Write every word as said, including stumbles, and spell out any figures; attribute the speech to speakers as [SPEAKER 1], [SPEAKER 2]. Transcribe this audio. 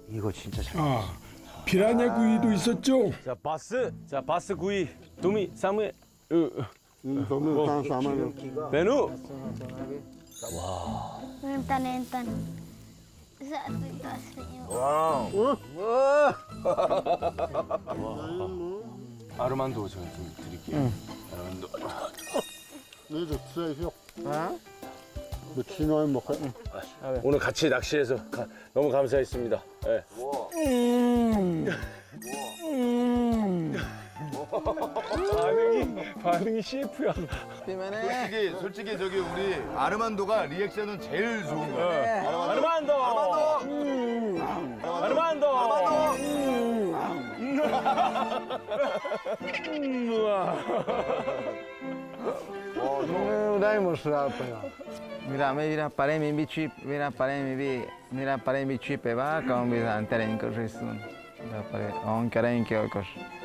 [SPEAKER 1] 이거 진짜 잘.
[SPEAKER 2] 아, 피라냐 구이도 있었죠.
[SPEAKER 3] 자, 바스. 자, 바스 구이. 도미, 사무에. 으,
[SPEAKER 4] Tome tan sama.
[SPEAKER 3] 메누.
[SPEAKER 5] Nentan, nentan. Satu kasihnya.
[SPEAKER 3] 와우. 아르만도 제가 좀 드릴게요. 아르만도.
[SPEAKER 4] Ne de tseyo. 그 친어에 먹어.
[SPEAKER 3] 오늘 같이 낚시해서 가, 너무 감사했습니다. 예. 반응이 반응이 씨에프야.
[SPEAKER 6] 솔직히 솔직히 저기 우리 아르만도가 리액션은 제일 좋은 거야.
[SPEAKER 3] 아르만도. 아르만도. 아르만도.
[SPEAKER 7] Dai mostrare però. Mira, mi vira paremi bici, mira paremi bi, mira paremi bici pe va, con bizan teren koşusun. Da pare, on karen ki koş.